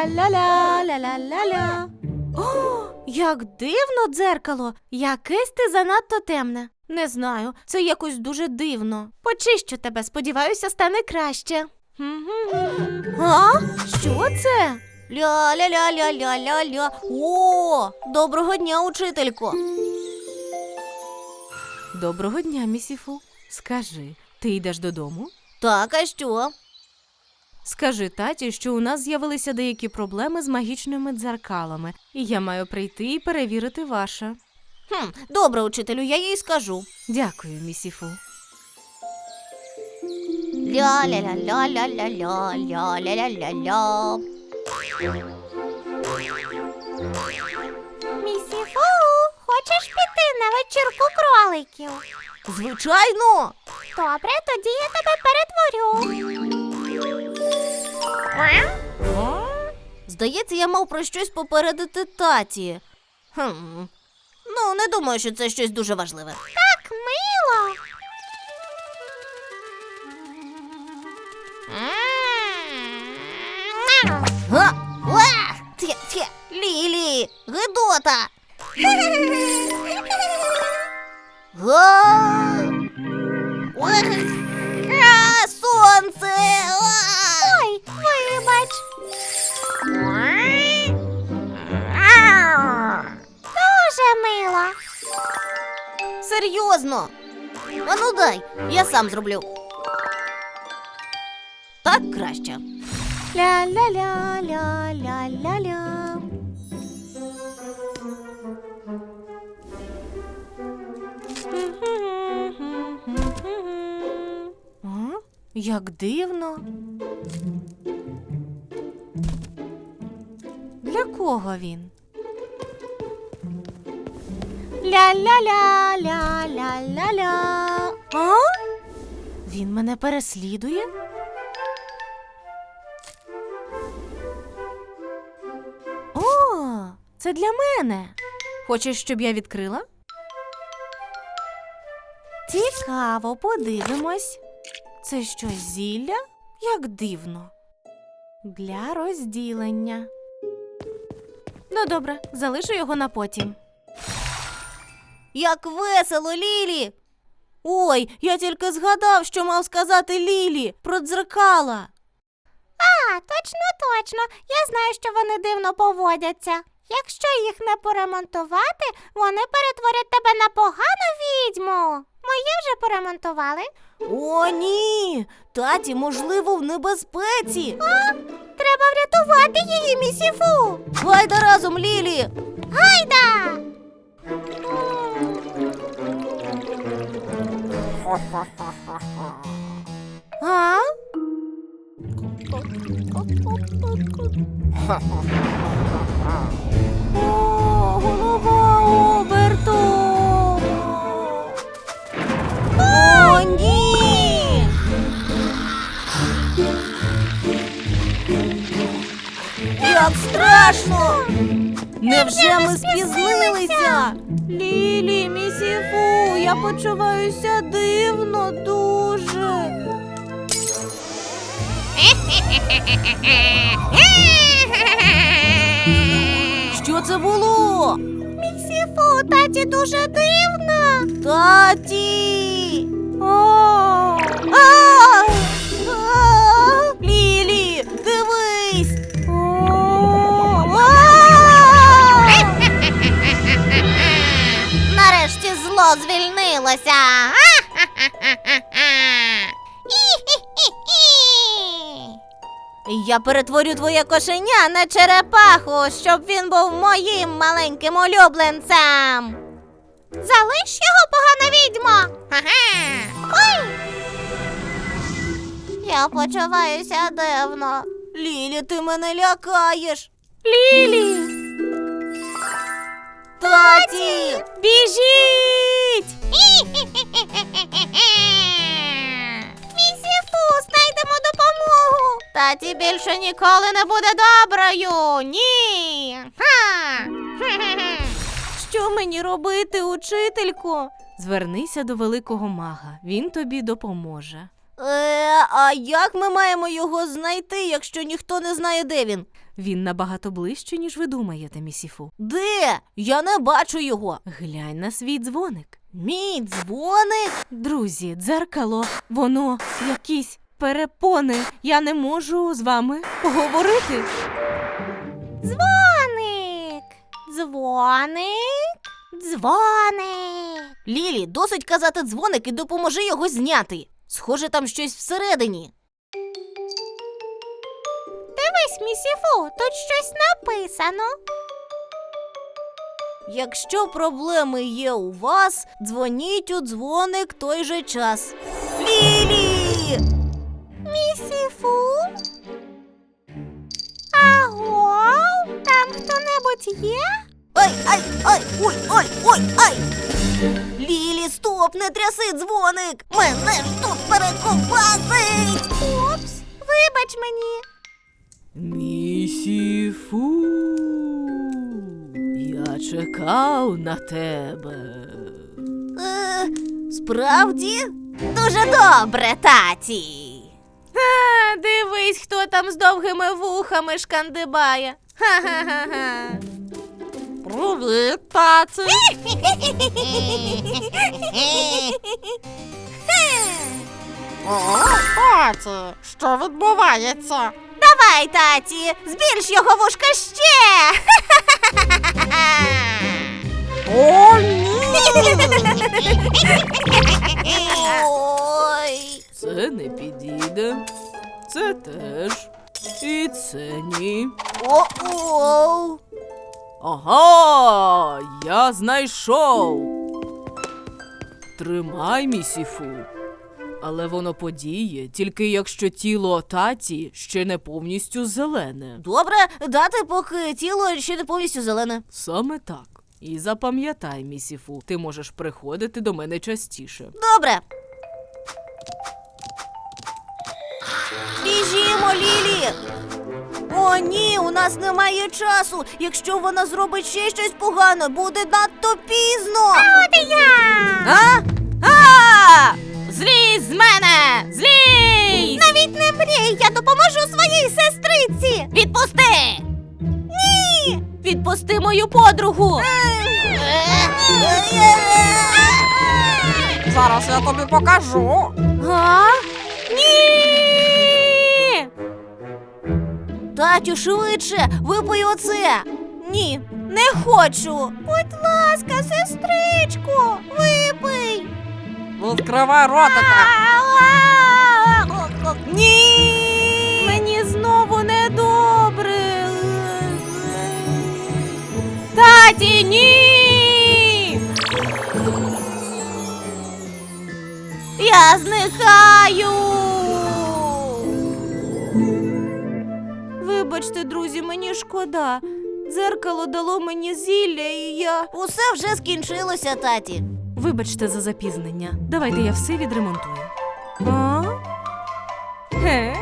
Ля-ля-ля, ля-ля-ля-ля. О, як дивно дзеркало. Якесь ти занадто темне. Не знаю, це якось дуже дивно. Почищу тебе, сподіваюся, стане краще. А? Що це? Ля-ля-ля-ля-ля-ля-ля. О, доброго дня, учителько. Доброго дня, місіфу. Скажи, ти йдеш додому? Так, а що? Скажи таті, що у нас з'явилися деякі проблеми з магічними дзеркалами, і я маю прийти і перевірити ваше. Добре, учителю, я їй скажу. Дякую, місіфу. Ля-ля-ля-ля-ля-ля-ля-ля-ля-ля-ля. Місіфу, хочеш піти на вечірку кроликів? Звичайно. Добре, тоді я тебе перетворю. Здається, я мав про щось попередити таті. Ну, не думаю, що це щось дуже важливе. Так мило. Га! Уа! Тє! Лілі! Гидота! Га! Уах! Сонце! Ой, вибач. Дуже мило. Серйозно? Ану дай, я сам зроблю. Так краще. Ля-ля-ля-ля-ля-ля-ля. А? Як дивно. Для кого він? Ля-ля-ля-ля-ля-ля-ля. А? Він мене переслідує? О, це для мене. Хочеш, щоб я відкрила? Цікаво, подивимось. Це щось зілля? Як дивно. Для розділення. Ну, добре, залишу його на потім. Як весело, Лілі! Ой, я тільки згадав, що мав сказати Лілі про дзеркала. А, точно. Я знаю, що вони дивно поводяться. Якщо їх не поремонтувати, вони перетворять тебе на погану відьму. Мої вже поремонтували. О, ні! Таті, можливо, в небезпеці. Треба врятувати її, місіфу. Гайда разом, Лілі! Гайда! А? О, голова оберту! О, ні! Як страшно! Невже ми спізнилися? Лілі, місіфу, я почуваюся дивно дуже. Що це було? Місіфу, таті дуже дивно. Таті! О! А! Лілі, дивись! Нарешті зло звільнилося. Я перетворю твоє кошеня на черепаху, щоб він був моїм маленьким улюбленцем. Залиш його, погана відьмо. Ой! Я почуваюся дивно. Лілі, ти мене лякаєш. Лілі! Таті! Біжіть! Місіфу, знайдемо допомогу. Таті більше ніколи не буде доброю. Ні. Ха! Що мені робити, учителько? Звернися до великого мага, він тобі допоможе. А як ми маємо його знайти, якщо ніхто не знає, де він? Він набагато ближче, ніж ви думаєте, місіфу. Де? Я не бачу його. Глянь на свій дзвоник. Мій дзвоник? Друзі, дзеркало, воно якісь перепони. Я не можу з вами поговорити. Дзвоник. Дзвоник. Дзвоник. Лілі, досить казати дзвоник і допоможи його зняти. Схоже, там щось всередині. Дивись, місіфу, тут щось написано. Якщо проблеми є у вас, дзвоніть у дзвоник той же час. Лілі! Місіфу? Аго? Там хто-небудь є? Ай, ай, ай, ой, ой, ой, ай! Лілі, стоп, не тряси дзвоник! Мене ж тут перекопасить! Упс, вибач мені. Місіфу, я чекав на тебе. Справді? Дуже добре, таті. Дивись, хто там з довгими вухами шкандибає. Ха-ха-ха-ха. Привіт, таці. Таті, що відбувається? Давай, таті, збільш його вушка ще. О, ні! Ой. Це не підійде. Це теж. І це ні. О-оу. Ага, я знайшов. Тримай, місіфу. Але воно подіє, тільки якщо тіло таті ще не повністю зелене. Добре, дати, поки тіло ще не повністю зелене. Саме так. І запам'ятай, місіфу, ти можеш приходити до мене частіше. Добре. Біжімо, Лілі. О, ні, у нас немає часу. Якщо вона зробить ще щось погане, буде надто пізно. От і я! А? А! Злізь з мене! Злізь! Навіть не мрій, я допоможу своїй сестриці! Відпусти! Ні! Відпусти мою подругу! Зараз я тобі покажу. А? Ні! Татю, швидше, випий оце! Ні, не хочу! Будь ласка, сестричко, випий. Відкривай ротика. Ні! Мені знову недобре. Таті, ні! Я зникаю! Вибачте, друзі, мені шкода. Дзеркало дало мені зілля, і я... Усе вже скінчилося, таті. Вибачте за запізнення. Давайте я все відремонтую. А? Ге?